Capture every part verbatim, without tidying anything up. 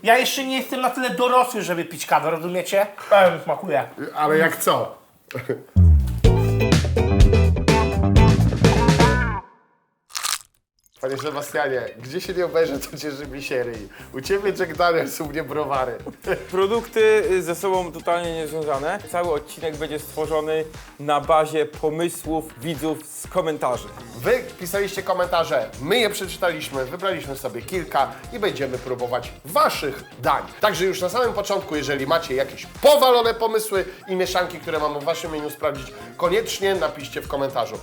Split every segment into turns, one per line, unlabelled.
Ja jeszcze nie jestem na tyle dorosły, żeby pić kawę, rozumiecie? Pewnie smakuje.
Ale jak co? Panie Sebastianie, gdzie się nie obejrzy, to cię żywi się ryj. U ciebie Jack Daniels, u mnie browary.
Produkty ze sobą totalnie niezwiązane. Cały odcinek będzie stworzony na bazie pomysłów widzów z komentarzy.
Wy pisaliście komentarze, my je przeczytaliśmy, wybraliśmy sobie kilka i będziemy próbować waszych dań. Także już na samym początku, jeżeli macie jakieś powalone pomysły i mieszanki, które mamy w waszym menu sprawdzić, koniecznie napiszcie w komentarzu.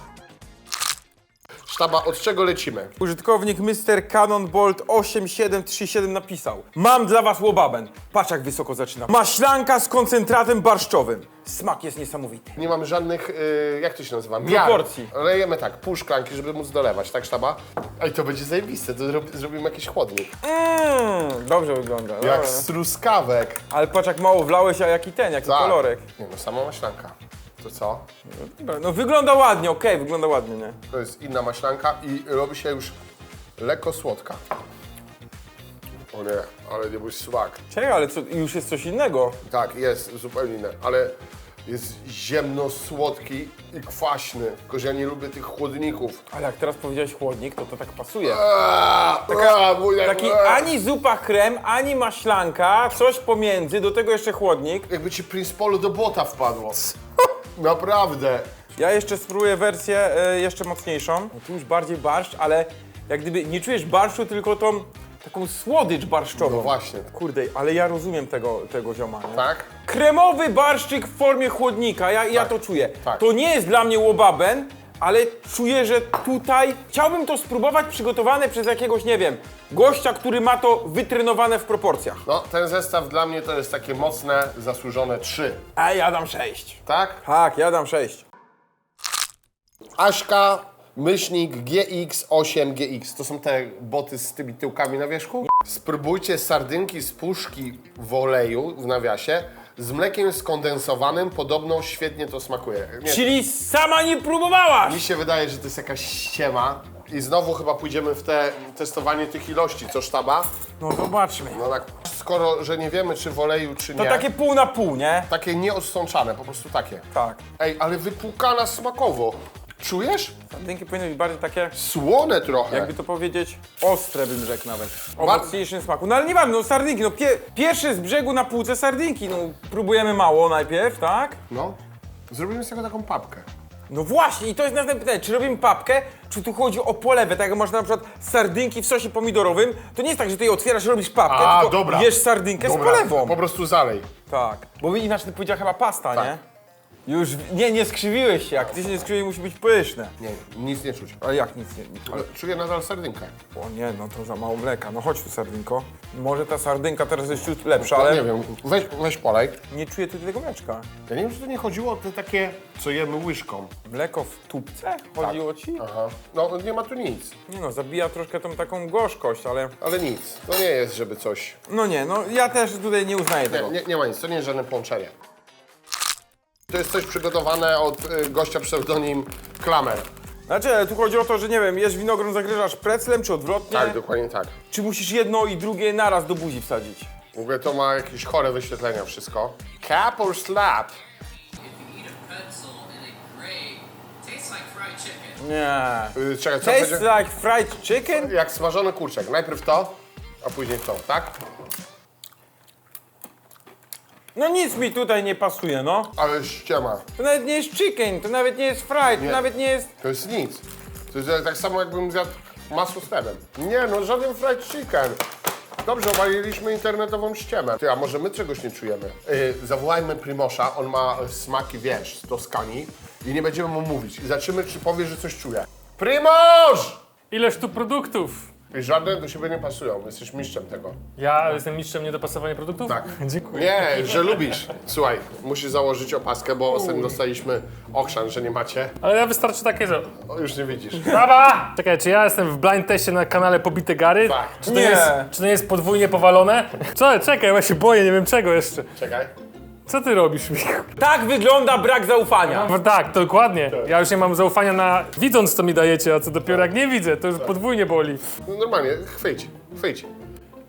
Sztaba, od czego lecimy?
Użytkownik mister Cannonbolt osiem siedem trzy siedem napisał: mam dla was łobaben. Patrz jak wysoko zaczyna. Maślanka z koncentratem barszczowym. Smak jest niesamowity.
Nie mamy żadnych, y, jak to się nazywa? Miar.
Proporcji.
Lejemy tak, pół szklanki, żeby móc dolewać, tak sztaba? Ej, to będzie zajebiste, to zrobi, zrobimy jakiś chłodnik.
Mmm, dobrze wygląda.
Jak
Dobra.
z truskawek.
Ale patrz jak mało wlałeś, a jaki ten, jaki
Tak.
kolorek.
Nie no, sama maślanka. To co?
Dobra, no wygląda ładnie, okej, wygląda ładnie, nie?
To jest inna maślanka i robi się już lekko słodka. O nie, ale nie bój smak.
Czekaj, ale co, już jest coś innego.
Tak, jest zupełnie inne, ale jest ziemno-słodki i kwaśny. Tylko że ja nie lubię tych chłodników.
Ale jak teraz powiedziałeś chłodnik, to to tak pasuje.
Aaaa, Taka, mój,
Taki ani zupa krem, ani maślanka, coś pomiędzy, do tego jeszcze chłodnik.
Jakby ci Prince Polo do błota wpadło. Naprawdę.
Ja jeszcze spróbuję wersję e, jeszcze mocniejszą. No tu już bardziej barszcz, ale jak gdyby nie czujesz barszczu, tylko tą taką słodycz barszczową.
No właśnie.
Kurde, ale ja rozumiem tego, tego zioma, nie?
Tak?
Kremowy barszczyk w formie chłodnika, ja, ja
Tak.
to czuję.
Tak.
To nie jest dla mnie łobaben, ale czuję, że tutaj chciałbym to spróbować przygotowane przez jakiegoś, nie wiem, gościa, który ma to wytrenowane w proporcjach.
No, ten zestaw dla mnie to jest takie mocne, zasłużone trzy.
A ja dam sześć.
Tak?
Tak, ja dam sześć.
Aśka, myślnik G X osiem G X. To są te boty z tymi tyłkami na wierzchu? Spróbujcie sardynki z puszki w oleju, w nawiasie, z mlekiem skondensowanym. Podobno świetnie to smakuje. Nie,
Czyli sama nie próbowałaś!
mi się wydaje, że to jest jakaś ściema. I znowu chyba pójdziemy w te testowanie tych ilości, co sztaba?
No zobaczmy.
No tak, skoro, że nie wiemy, czy w oleju, czy
To
nie.
takie pół na pół, nie?
Takie nieodsączane, po prostu takie.
Tak.
Ej, ale wypłukana smakowo. Czujesz?
Sardynki powinny być bardziej takie,
Słone trochę.
jakby to powiedzieć, ostre bym rzekł nawet. O mocniejszym smaku. No ale nie ważne, no sardynki, no pie pierwsze z brzegu na półce sardynki. No próbujemy mało najpierw, tak?
No. Zrobimy z tego taką papkę.
No właśnie, i to jest następne pytanie, czy robimy papkę, czy tu chodzi o polewę, tak jak można na przykład sardynki w sosie pomidorowym, to nie jest tak, że ty je otwierasz i robisz papkę,
A,
tylko
dobra.
jesz sardynkę
Dobra,
z polewą.
Po prostu zalej.
Tak, bo inaczej ty powiedziała chyba pasta,
Tak.
nie? Już, nie, nie skrzywiłeś się, jak ty się nie skrzywiłeś, musi być pyszne.
Nie, nic nie czuć.
Ale jak nic nie...
Ale czuję nadal sardynkę.
O nie, no to za mało mleka. No chodź tu, sardynko. Może ta sardynka teraz jest ciut lepsza,
No,
ale
nie wiem, weź, weź polej.
nie czuję tu tego mleczka.
Ja nie wiem, czy to nie chodziło o te takie, co jemy łyżką.
Mleko w tubce? Chodziło ci?
Aha. No, nie ma tu nic.
Nie no, zabija troszkę tą taką gorzkość, ale...
Ale nic. To nie jest, żeby coś...
No nie, no ja też tutaj nie uznaję
Nie,
tego.
nie, nie ma nic, to nie jest żadne połączenie. To jest coś przygotowane od y, gościa pseudonim Klamer.
Znaczy, ale tu chodzi o to, że nie wiem, jesz winogron, zagryzasz preclem, czy odwrotnie?
Tak, dokładnie tak.
Czy musisz jedno i drugie naraz do buzi wsadzić?
W ogóle to ma jakieś chore wyświetlenia wszystko. Cap or slap?
If you eat a pretzel in a gray, tastes like fried chicken.
Nie.
Yy, czekaj, co
Tastes
będzie?
like fried chicken?
Jak smażony kurczak. Najpierw to, a później to, tak?
No nic mi tutaj nie pasuje, no.
Ale ściema.
To nawet nie jest chicken, to nawet nie jest fried, to
Nie.
nawet nie jest...
To jest nic. To jest tak samo, jakbym zjadł masło z chlebem. Nie, no żaden fried chicken. Dobrze, obaliliśmy internetową ściemę. Ty, a może my czegoś nie czujemy? Yy, zawołajmy Primosza, on ma smaki, wiesz, z Toskanii i nie będziemy mu mówić. I zobaczymy, czy powie, że coś czuje. Primoż!
Ileż tu produktów?
I żadne do siebie nie pasują, jesteś mistrzem tego.
Ja jestem mistrzem niedopasowania produktów?
Tak.
Dziękuję.
Nie, że lubisz. Słuchaj, musisz założyć opaskę, bo ostatnio dostaliśmy ochrzan, że nie macie.
Ale ja wystarczy takie, że...
O, już nie widzisz.
Brawa! Czekaj, czy ja jestem w blind teście na kanale Pobite Gary?
Tak.
Czy to,
Nie.
Jest, czy to jest podwójnie powalone? Co? Czekaj, ja się boję, nie wiem czego jeszcze.
Czekaj.
Co ty robisz, Michał?
Tak wygląda brak zaufania.
No tak, dokładnie. Ja już nie mam zaufania na widząc, co mi dajecie, a co dopiero jak nie widzę, to już podwójnie boli.
No normalnie, chwyć, chwyć.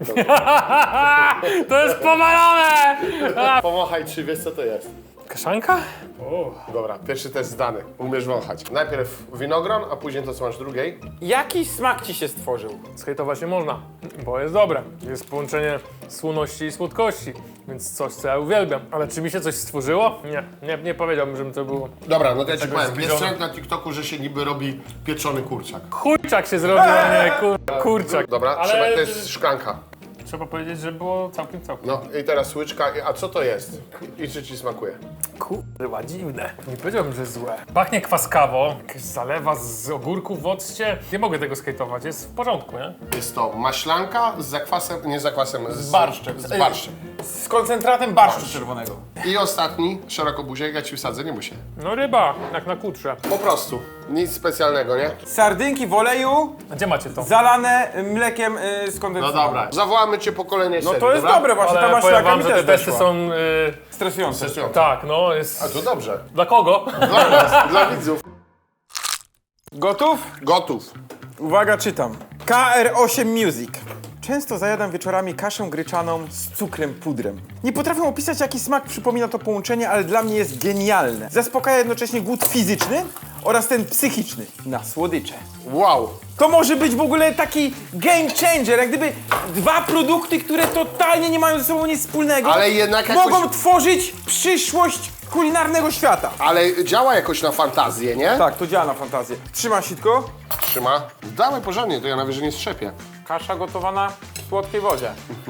To jest powalone!
Pomachaj, czy wiesz co to jest.
Kaszanka?
Dobra, pierwszy test zdany. Umiesz wąchać. Najpierw winogron, a później to co masz drugiej.
Jaki smak ci się stworzył?
Skejtować nie można, bo jest dobre. Jest połączenie słoności i słodkości, więc coś, co ja uwielbiam. Ale czy mi się coś stworzyło? Nie, nie, nie powiedziałbym, żeby to było.
Dobra, no to ja ci
Tego
powiem.
zbliżone.
Jest trend na TikToku, że się niby robi pieczony kurczak.
Chujczak się zrobił, a nie kur... kurczak.
Dobra,
Ale
trzeba, to jest szklanka.
trzeba powiedzieć, że było całkiem, całkiem.
No i teraz łyczka. A co to jest? I czy ci smakuje?
Kurwa, dziwne. Nie powiedziałbym, że jest złe. Pachnie kwaskawo, jakaś zalewa z ogórków w occie. Nie mogę tego skejtować, jest w porządku, nie?
Jest to maślanka z zakwasem, nie z zakwasem, z,
Z barszczem.
Z barszczem.
Z koncentratem barszczu czerwonego.
I ostatni, szerokobuziek, ja ci wsadzę, nie muszę.
No ryba, jak na kutrze.
Po prostu. Nic specjalnego, nie?
Sardynki w oleju,
A gdzie macie to?
zalane mlekiem y, z
No
kondensatem.
dobra. Zawołamy cię po kolejnej
No
serii,
to jest
dobra?
dobre właśnie, ta
Ale powiem
maślaka
wam,
mi
że
też
te testy
weszła.
są... Yy,
Stresujące.
Stresujące.
tak, no jest...
A to dobrze.
Dla kogo?
Dla nas, dla widzów.
Gotów?
Gotów.
Uwaga, czytam. K R osiem Music. Często zajadam wieczorami kaszę gryczaną z cukrem pudrem. Nie potrafię opisać, jaki smak przypomina to połączenie, ale dla mnie jest genialne. Zaspokaja jednocześnie głód fizyczny oraz ten psychiczny na słodycze.
Wow.
To może być w ogóle taki game changer, jak gdyby dwa produkty, które totalnie nie mają ze sobą nic wspólnego,
Ale jednak jakoś-
mogą tworzyć przyszłość kulinarnego świata.
Ale działa jakoś na fantazję, nie?
Tak, to działa na fantazję. Trzyma sitko,
Trzyma. Dawaj porządnie, to ja na wyżej nie strzepię.
kasza gotowana w słodkiej wodzie.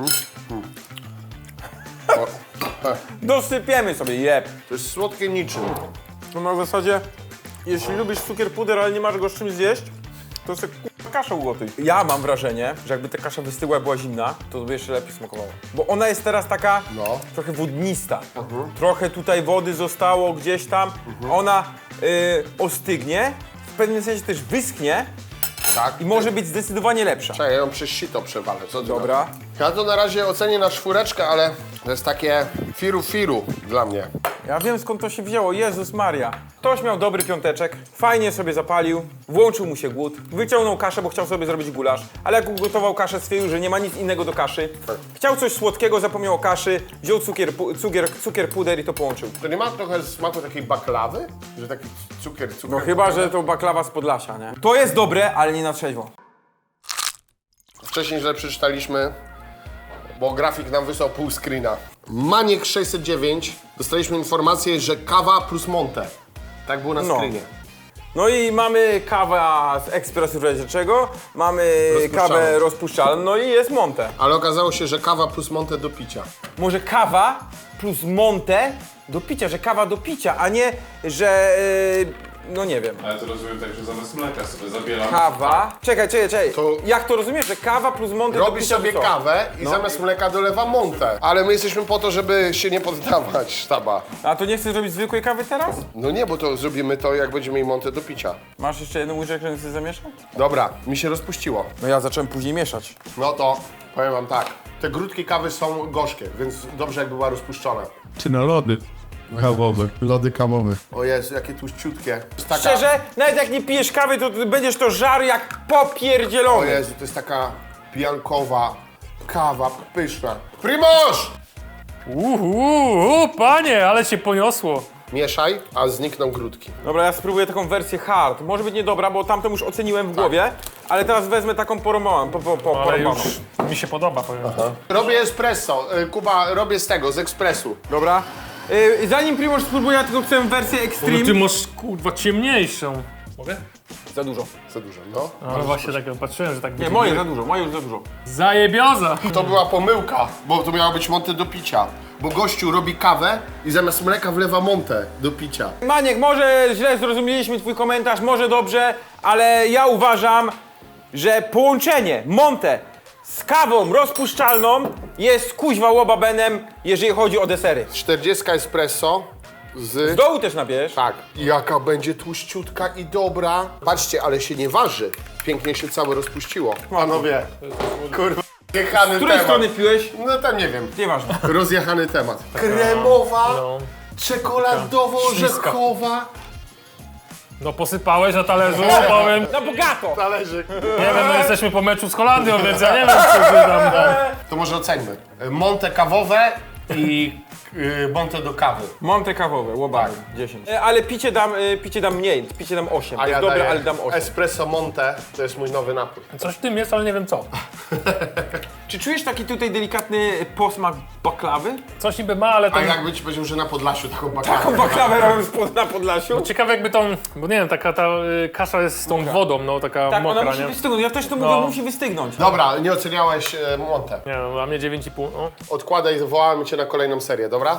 O,
Dosypiemy sobie, jeb.
to jest słodkie niczym.
No na zasadzie, jeśli lubisz cukier puder, ale nie masz go z czymś zjeść, to sobie k***a kaszę ugotuj. Ja mam wrażenie, że jakby ta kasza wystygła i była zimna, to by jeszcze lepiej smakowała. Bo ona jest teraz taka
No.
trochę wodnista. Trochę tutaj wody zostało gdzieś tam. Ona y, ostygnie, w pewnym sensie też wyschnie
Tak.
i może być zdecydowanie lepsza.
Czekaj, ja ją przez sito przewalę. Co ty
Dobra.
na to? Ja to na razie ocenię na czwóreczkę, ale to jest takie firu-firu dla mnie.
Ja wiem, skąd to się wzięło. Jezus Maria. Ktoś miał dobry piąteczek, fajnie sobie zapalił, włączył mu się głód, wyciągnął kaszę, bo chciał sobie zrobić gulasz, ale jak ugotował kaszę, stwierdził, że nie ma nic innego do kaszy. Chciał coś słodkiego, zapomniał o kaszy, wziął cukier, pu- cukier, cukier puder i to połączył.
To nie ma trochę smaku takiej baklawy? Że taki cukier, cukier.
No chyba, że to baklawa z Podlasia, nie? To jest dobre, ale nie na trzeźwo.
Wcześniej źle przeczytaliśmy, bo grafik nam wysłał pół screena. Maniek sześćset dziewięć, dostaliśmy informację, że kawa plus monte. Tak było na
No.
screenie.
No i mamy kawę z ekspresu czego, mamy
Rozpuszczalną.
kawę rozpuszczalną, no i jest Monte.
Ale okazało się, że kawa plus monte do picia.
Może kawa plus Monte do picia, że kawa do picia, a nie, że... Yy, no nie wiem.
Ale to rozumiem tak, że zamiast mleka sobie zabieram.
Kawa... Czekaj, czekaj, czekaj.
To-
Jak to rozumiesz, że kawa plus Monte do
Robi
picia
sobie
to co?
kawę i
No.
zamiast mleka dolewa monte. Ale my jesteśmy po to, żeby się nie poddawać, sztaba.
A to nie chcesz zrobić zwykłej kawy teraz?
No nie, bo to zrobimy to, jak będziemy mieli monte do picia.
Masz jeszcze jedną łyżeczkę, którą chcesz zamieszać?
Dobra, mi się rozpuściło.
No ja zacząłem później mieszać.
No to powiem wam tak. Te grudki kawy są gorzkie, więc dobrze jakby była rozpuszczona.
Czy na lody kawowe, lody kawowe.
O Jezu, jakie tłuściutkie. To jest taka...
Szczerze, nawet jak nie pijesz kawy, to ty będziesz to żarł jak
O
popierdzielony.
Jezu, to jest taka pijankowa kawa, pyszna. Primoż!
Uuu, panie, ale cię poniosło.
Mieszaj, a znikną grudki.
Dobra, ja spróbuję taką wersję hard. Może być niedobra, bo tamtą już oceniłem w głowie, ale teraz wezmę taką porąbaną. Po, po, po,
Ale
porąbaną.
już mi się podoba, powiem.
Robię espresso. Y, Kuba, robię z tego, z ekspresu.
Dobra. Yy, zanim Primoż spróbuje, ja tylko chcę wersję
No
Extreme.
ty masz, kurwa, ciemniejszą. Mogę?
Za dużo.
Za dużo, no.
No właśnie tak patrzyłem, że tak
Nie,
będzie.
moje za dużo, moje już za dużo.
Zajebioza!
To była pomyłka, bo to miało być monte do picia. Bo gościu robi kawę i zamiast mleka wlewa monte do picia.
Maniek, może źle zrozumieliśmy twój komentarz, może dobrze, ale ja uważam, że połączenie Monte z kawą rozpuszczalną jest kuźwa łobabenem, jeżeli chodzi o desery.
czterdzieści espresso
Z
z...
dołu też nabierz.
Tak. Jaka będzie tłuściutka i dobra. Patrzcie, ale się nie waży. Pięknie się całe rozpuściło. Panowie, kurwa, jechany
Z której
temat.
strony piłeś?
No tam nie wiem.
Nieważne.
Rozjechany temat. Kremowa,
No.
czekoladowo-orzechowa.
No posypałeś na talerzu, powiem.
Na bogato!
Talerzyk.
Nie wiem, no jesteśmy po meczu z Holandią, więc ja nie wiem, co ty tam...
To może oceńmy. Monte kawowe i y, Monte do kawy.
Monte kawowe, łobary, dziesięć. E, ale picie dam, e, picie dam mniej, picie dam osiem.
A
To
ja
jest dobre,
daję
ale dam osiem.
espresso Monte, to jest mój nowy napój.
Coś w tym jest, ale nie wiem co.
Czy czujesz taki tutaj delikatny posmak baklawy?
Coś niby ma, ale
A
ten...
jakby ci powiedział, że na Podlasiu taką bakawę.
Taką baklawę robią spod, na Podlasiu?
Ciekawe jakby tą, bo nie wiem, taka ta y, kasza jest z tą wodą, no taka
Tak,
mokra,
ona musi
nie?
wystygnąć. Ja też to mówię,
No.
musi wystygnąć.
Dobra, nie oceniałeś e, Monte.
Nie no, a mnie dziewięć i pół, no.
Odkładaj, wołamy cię na kolejną serię, dobra?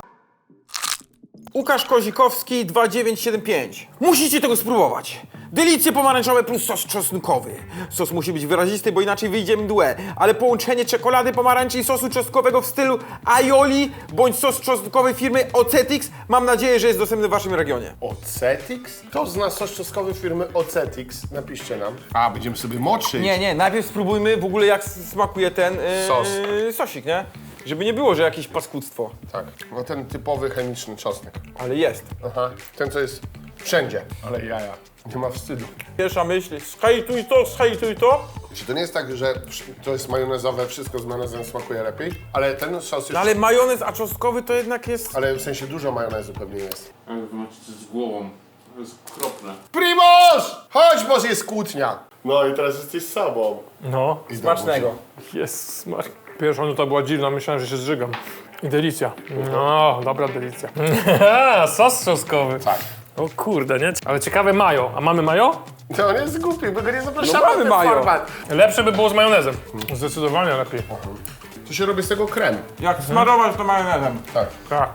Łukasz Kozikowski dwa dziewięć siedem pięć. Musicie tego spróbować. Delicje pomarańczowe plus sos czosnkowy. Sos musi być wyrazisty, bo inaczej wyjdzie mdłe. Ale połączenie czekolady, pomarańczy i sosu czosnkowego w stylu aioli bądź sos czosnkowy firmy Ocetix mam nadzieję, że jest dostępny w waszym regionie.
Ocetix? To zna sos czosnkowy firmy Ocetix. Napiszcie nam. A, będziemy sobie moczyć.
Nie, nie, najpierw spróbujmy w ogóle jak smakuje ten yy,
Sos.
sosik, nie? Żeby nie było, że jakieś paskudztwo.
Tak, no ten typowy chemiczny czosnek.
Ale jest.
Aha, ten co jest wszędzie. Ale jaja. Nie ma wstydu.
Pierwsza myśl, zhejtuj to, zhejtuj to.
Czy to nie jest tak, że to jest majonezowe, wszystko z majonezem smakuje lepiej? Ale ten sos jest...
No ale majonez, a czosnkowy to jednak jest...
Ale w sensie dużo majonezu pewnie jest.
Ale wy macie coś z głową. To jest okropne.
Primoż! Chodź, bo jest kłótnia. No i teraz jesteś sobą.
No,
I
Smacznego.
jest smak. Pierwsza nuta była dziwna, myślałem, że się zżygam. I delicja. No, dobra delicja. Sos czosnkowy.
Tak.
O kurde, nie? Ale ciekawe majo. A mamy majo?
To on jest głupi, bo go nie zapraszamy
No mamy
na ten
majo.
format.
Lepsze by było z majonezem. Zdecydowanie lepiej.
To się robi z tego krem.
Jak smarować to majonezem.
Tak.
Tak.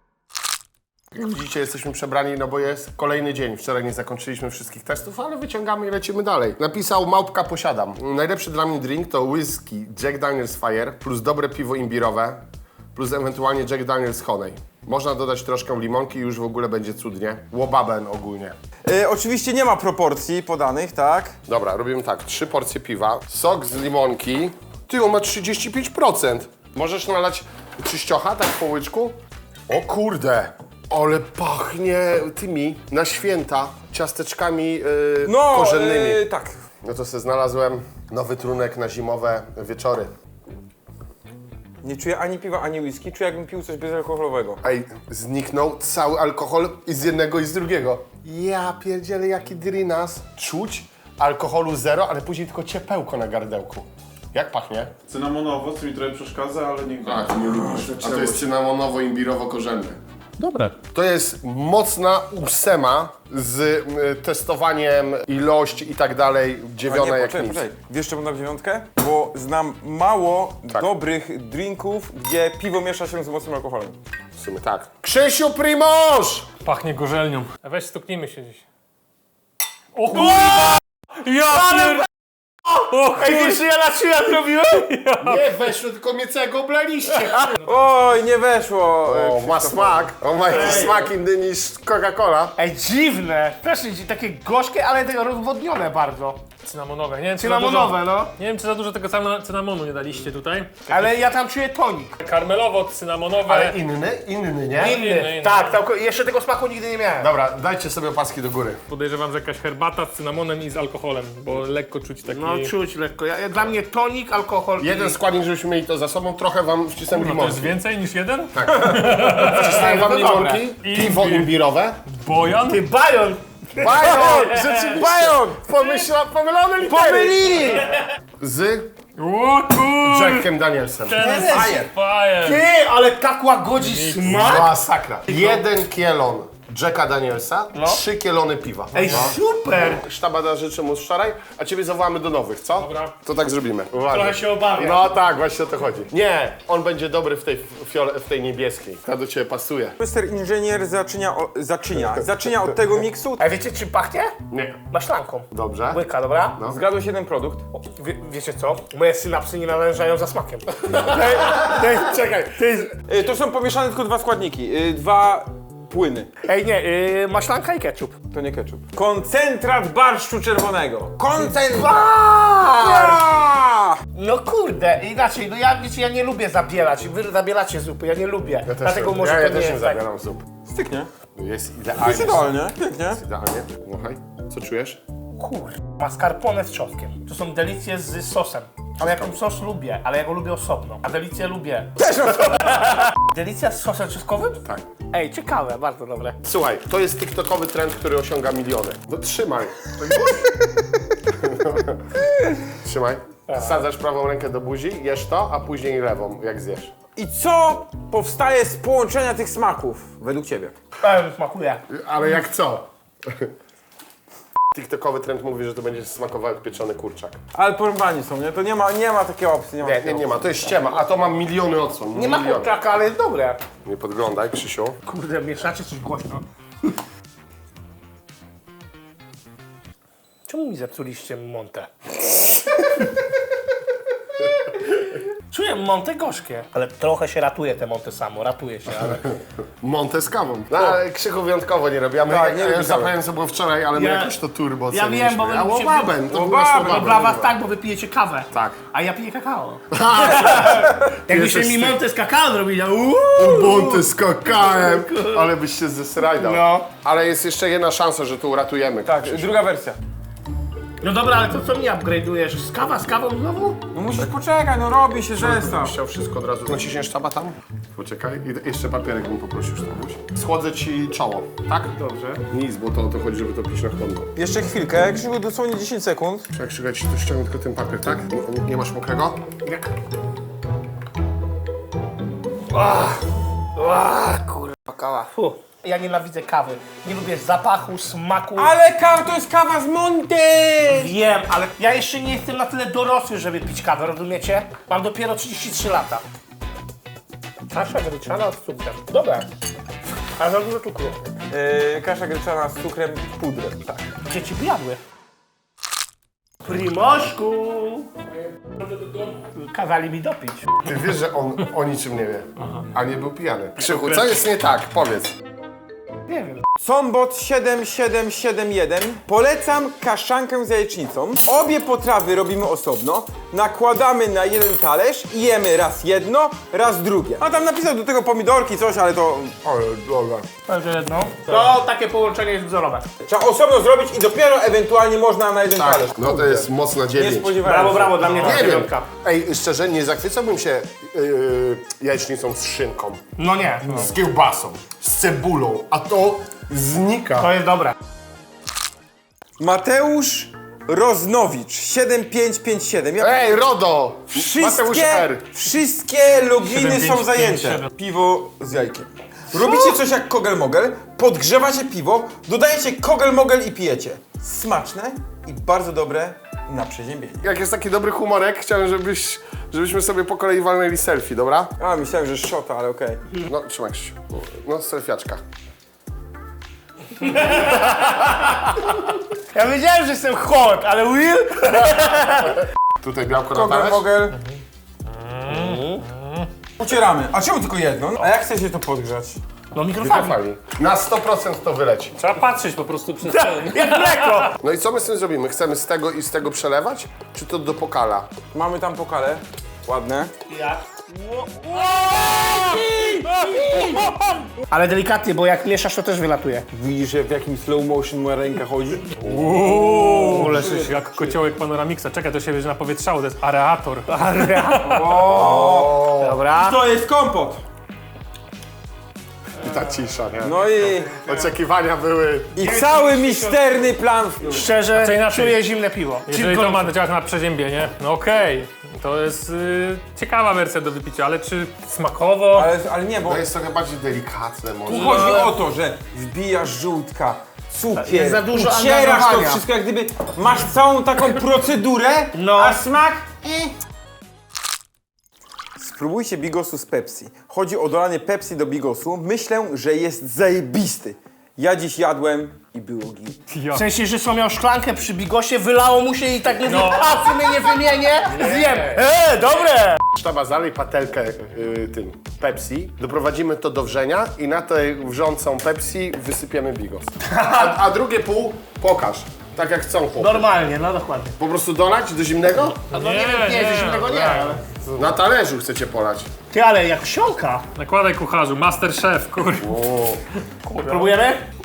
Jak widzicie, jesteśmy przebrani, no bo jest kolejny dzień. Wczoraj nie zakończyliśmy wszystkich testów, ale wyciągamy i lecimy dalej. Napisał Małpka Posiadam. Najlepszy dla mnie drink to whisky Jack Daniel's Fire plus dobre piwo imbirowe plus ewentualnie Jack Daniel's Honey. Można dodać troszkę limonki i już w ogóle będzie cudnie. Łobaben ogólnie.
E, oczywiście nie ma proporcji podanych, tak?
Dobra, robimy tak. Trzy porcje piwa, sok z limonki. Ty, on ma trzydzieści pięć procent. Możesz nalać czyściocha, tak po łyczku? O kurde, ale pachnie tymi na święta ciasteczkami yy,
No,
korzennymi.
e, tak.
No to sobie znalazłem nowy trunek na zimowe wieczory.
Nie czuję ani piwa, ani whisky, czuję jakbym pił coś bezalkoholowego.
Ej, zniknął cały alkohol i z jednego i z drugiego. Ja pierdzielę, jaki drinas. Czuć alkoholu zero, ale później tylko ciepełko na gardełku. Jak pachnie?
Cynamonowo, co mi trochę przeszkadza, ale nie,
Tak.
nie lubisz.
A to jest cynamonowo-imbirowo-korzenny.
Dobre.
To jest mocna ósema z y, testowaniem ilości i tak dalej,
A
dziewiona
nie,
jak
poczekaj,
nic.
poczekaj. Wiesz czemu dam dziewiątkę? Bo znam mało
Tak.
dobrych drinków, gdzie piwo miesza się z mocnym alkoholem.
W sumie tak. Krzysiu Primoż!
Pachnie gorzelnią. A weź stuknijmy się dziś. O kurwa! Ja pier... O kurwa!
ja na trzy jak robiłem?
Nie weszło, tylko mnie całego oblaliście.
Oj, nie weszło!
O, ma smak. On ma jakiś smak inny niż Coca-Cola.
Ej, dziwne. Też jest takie gorzkie, ale tego rozwodnione bardzo.
Cynamonowe. Nie wiem, czy za
Cynamonowe,
dużo,
no.
nie wiem, czy za dużo tego cynam- cynamonu nie daliście tutaj.
Ale ja tam czuję tonik.
Karmelowo-cynamonowe.
Ale inny, inny, nie?
Inny.
Inny, inny.
Tak, tak, jeszcze tego smaku nigdy nie miałem.
Dobra, dajcie sobie opaski do góry.
Podejrzewam, że jakaś herbata z cynamonem i z alkoholem, bo lekko czuć taki...
No czuć lekko. Ja, ja, dla mnie tonik, alkohol.
Jeden składnik, żebyśmy mieli to za sobą, trochę wam wcisnąłem
Kurwa, to jest
limonki.
więcej niż jeden?
Wcisnąłem wam
No dobra.
limonki, piwo imbirowe.
Bojan?
Ty bajon!
Bajon! Rzeczywiście!
Bajon!
Pomyśla, pomylone litery!
Pomylili!
Z
O kur...
Jackiem Danielsem.
Ten
Fire.
fire.
Ty, ale tak łagodzi smak!
Masakra. Jeden kielon Jacka Danielsa, trzy kielony piwa.
Ej, super!
Sztabada życzy mu wczoraj, a ciebie zawołamy do nowych, co?
Dobra.
To tak zrobimy. Uwaga.
Trochę się obawiam.
No tak, właśnie o to chodzi. Nie, on będzie dobry w tej, fiole, w tej niebieskiej. Ta do ciebie pasuje.
Mister Inżynier zaczynia, o, zaczynia, zaczynia od tego miksu.
A wiecie czym pachnie?
Nie.
Maślanką.
Dobrze.
Łyka, dobra?
Zgadłeś jeden produkt.
Wie, wiecie co? Moje synapsy nie nawężają za smakiem. Ej, ej, czekaj, to jest...
Y, to są pomieszane tylko dwa składniki, y, dwa płyny.
Ej, nie, yy, maślanka i ketchup.
To nie ketchup. Koncentrat barszczu czerwonego. Koncentrat!
No kurde, inaczej, no ja, wiecie, ja nie lubię zabielać. Wy zabielacie zupy, ja nie lubię.
Ja też
Dlatego
nie-
może
ja,
to
ja
nie
też nie
jest tak.
zabieram zup.
Styknie.
Jest
To
idealnie.
jest idealnie, pięknie.
Idealnie. Słuchaj. Co czujesz?
Kur... mascarpone z czosnkiem. To są delicje z sosem. Ale jaką sos lubię, ale ja go lubię osobno. A delicję lubię. Też osobno! Delicja z sosem czosnkowym?
Tak.
Ej, ciekawe, bardzo dobre.
Słuchaj, to jest tiktokowy trend, który osiąga miliony. No trzymaj. Trzymaj. Wsadzasz prawą rękę do buzi, jesz to, a później lewą, jak zjesz.
I co powstaje z połączenia tych smaków, według ciebie?
Pełno smakuje.
Ale jak co? TikTokowy trend mówi, że to będzie smakował jak pieczony kurczak.
Ale porąbani są, nie? To nie ma, nie ma takiej opcji. Nie, ma
Nie,
takiej
nie, nie ma, to jest ściema, a to mam miliony odsłon.
Nie ma
miliony.
kurczaka, ale jest dobre.
Nie podglądaj, Krzysiu.
Kurde, mieszacie coś głośno. Czemu mi zepsuliście montę? Czuję montę gorzkie. Ale trochę się ratuje te monty samo, ratuje się, ale...
Montę z kawą. No, ale Krzychu wyjątkowo nie robi. A my,
Tak,
ja,
nie
ja
lubi
już
kawy.
zapomniałem, co było wczoraj, ale my
Ja-
jakoś to turbo
Ja wiem, bo wy
A
lubicie-
łobaben, to był
Łobaben,
nasz
No
łobaben.
dla was tak, bo wy pijecie kawę.
Tak.
A ja piję kakao. Jakbyście
jesteś
mi
ty-
montę z kakao zrobili, uuu.
Monty z kakałem, ale byś się zesrajdał.
No.
Ale jest jeszcze jedna szansa, że tu uratujemy.
Tak, druga wersja.
No dobra, ale to co mi upgrade'ujesz? Z kawa, z kawą znowu?
No musisz poczekać, no robi się zestaw.
Chciał wszystko od razu. Naciśniesz taba tam? Poczekaj. I jeszcze papierek bym poprosił, Sztabuś. Schłodzę ci czoło, tak?
Dobrze.
Nic, bo to o to chodzi, żeby to pić na chłodno.
Jeszcze chwilkę, Krzysiu, dosłownie dziesięć sekund.
Jak Krzysiu, ci tu ściągnę tylko ten papier, tak? Nie, nie masz mokrego?
Jak? Ach, ach, kurwa, kawa. Fu. Ja nienawidzę kawy. Nie lubię zapachu, smaku.
Ale kawa to jest kawa z Monty!
Wiem, ale ja jeszcze nie jestem na tyle dorosły, żeby pić kawę, rozumiecie? Mam dopiero trzydzieści trzy lata. Kasza gryczana z cukrem. Dobra. Ale za dużo cukru.
Yy, kasza gryczana z cukrem, pudrem, tak.
Dzieci by jadły. Primoszku! Kazali mi dopić.
Ty wiesz, że on o niczym nie wie, a nie był pijany. Krzychu, co jest nie tak? Powiedz.
Nie wiem.
Sombot siedem siedem siedem jeden. Polecam kaszankę z jajecznicą. Obie potrawy robimy osobno. Nakładamy na jeden talerz i jemy raz jedno, raz drugie. A tam napisał do tego pomidorki, coś, ale to...
Ale dobra.
Także jedno. To takie połączenie jest wzorowe.
Trzeba osobno zrobić i dopiero ewentualnie można na jeden
Tak,
talerz.
no to jest mocna
Nie
dziewięć.
spodziewałem
Brawo,
się.
brawo, dla mnie to
Nie wiem.
dziewiątka.
Ej, szczerze, nie zachwycałbym się yy, jajecznicą z szynką,
No nie, no.
z kiełbasą, z cebulą, a to znika.
To jest dobre.
Mateusz Roznowicz siedem pięć pięć siedem. Ja
Ej, Rodo! Mateusz
Wszystkie,
R.
wszystkie loginy
siedem,
są
pięć,
zajęte.
pięć, siedem.
Piwo z jajkiem. Robicie coś jak kogel-mogel, podgrzewacie piwo, dodajecie kogel-mogel i pijecie. Smaczne i bardzo dobre na przeziębienie.
Jak jest taki dobry humorek, chciałem, żebyś, żebyśmy sobie po kolei walnęli selfie, dobra?
A, myślałem, że szota, ale okej.
No, trzymaj się. No, selfiaczka.
Ja wiedziałem, że jestem hot, ale Will?
Tutaj białko na talerz.
Kogel-mogel. Ucieramy. A czemu tylko jedno? A jak chcecie to podgrzać?
No mikrofali.
Mikrofali. Na sto procent to wyleci.
Trzeba patrzeć po prostu przez ten.
Jak mleko.
No i co my z tym zrobimy? Chcemy z tego i z tego przelewać? Czy to do pokala?
Mamy tam pokale. Ładne.
Jak? Ale delikatnie, bo jak mieszasz, to też wylatuje.
Widzisz, w jakim slow motion moja ręka chodzi?
Uuu, leżysz jak kociołek Panoramiksa. Czekaj, to się będzie napowietrzało, to jest areator.
Dobra.
To jest kompot!
I ta cisza, nie?
No i...
Oczekiwania były...
I cały misterny plan.
Szczerze,
Znaczy inaczej.
czuję zimne piwo.
Jeżeli to ma działać na przeziębienie, no okej. To jest y, ciekawa wersja do wypicia, ale czy smakowo?
Ale, ale nie, bo
To jest trochę bardziej delikatne może.
tu chodzi o to, że wbijasz żółtka, cukier,
Jest za dużo
ucierasz to
angażowania.
wszystko, jak gdyby masz całą taką procedurę,
No.
a smak... Eh. Spróbujcie bigosu z Pepsi. Chodzi o dolanie Pepsi do bigosu. Myślę, że jest zajebisty. Ja dziś jadłem i było git.
W sensie, że są miał szklankę przy bigosie, wylało mu się i tak mówi, a w sumie nie wymienię, zjem. Eee, dobre!
Sztaba, zalej patelkę y, tym Pepsi, doprowadzimy to do wrzenia i na tę wrzącą Pepsi wysypiemy bigos. A, a drugie pół pokaż, tak jak chcą chłopcy.
Normalnie, no dokładnie.
Po prostu dolać do zimnego?
No nie, wiem, nie, nie, zimnego nie, ale...
Na talerzu chcecie polać.
Ty, ale jak wsiąka.
Nakładaj kucharzu, master chef, kur...
Próbujemy?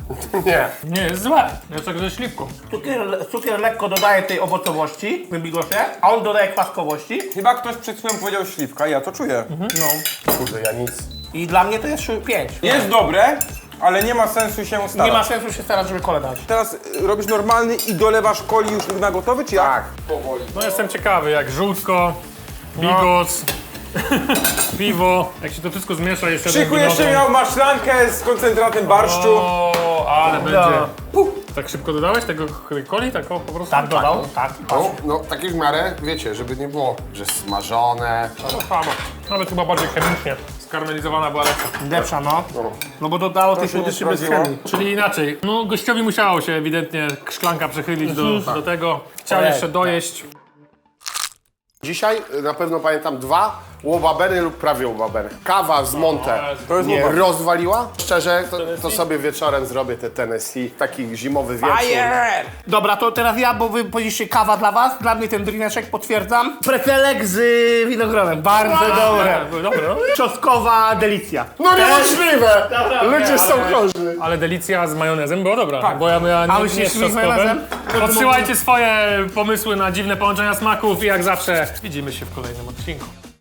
Nie.
Nie, jest złe. Jest tak ze śliwką.
Cukier, cukier lekko dodaje tej owocowości w bigosie, a on dodaje kwaskowości.
Chyba ktoś przed chwilą powiedział śliwka, ja to czuję.
No.
Kurde, ja nic.
I dla mnie to jest pięć.
Jest dobre, ale nie ma sensu się starać.
Nie ma sensu się starać, żeby kole dać.
Teraz y, robisz normalny i dolewasz coli już na gotowy, czy jak?
Tak.
Powoli.
No jestem ciekawy, jak żółtko, bigos, piwo, jak się to wszystko zmiesza jeszcze
Krzyku jeszcze miał maślankę z koncentratem barszczu.
O, ale będzie.
No.
Tak szybko dodałeś tego tej coli? Tak o, po prostu?
Tak dodał, tak.
No, no takie w miarę, wiecie, żeby nie było, że smażone.
No fama. Nawet chyba bardziej chemicznie. Skarmelizowana była lepsza.
Lepsza, no. No bo dodało tej
się nie
słodyczy bez
sprawdziło.
chemii.
Czyli inaczej, no gościowi musiało się ewidentnie szklanka przechylić do, do tego. Chciał
Ojej.
jeszcze dojeść.
Dzisiaj y, na pewno pamiętam dwa łobabery lub prawie łobabery. Kawa z Monte
To jest
mnie
łobaber.
rozwaliła. Szczerze, to, to sobie wieczorem zrobię te Tennessee, taki zimowy wieczór.
Fire!
Dobra, to teraz ja, bo wy powiedzieliście kawa dla was. Dla mnie ten drineczek potwierdzam. Pretelek z y, winogronem. Bardzo dobre.
Dobre, dobre, no.
Czosnkowa delicja.
No niemożliwe!
Dobra,
Ludzie są
ale-
chorzy.
Ale delicja z majonesem była dobra,
Tak.
bo ja miałem
A
nie,
myślisz,
nie z
z
czosnkowym.
majonezem?
Podsyłajcie swoje pomysły na dziwne połączenia smaków i jak zawsze widzimy się w kolejnym odcinku.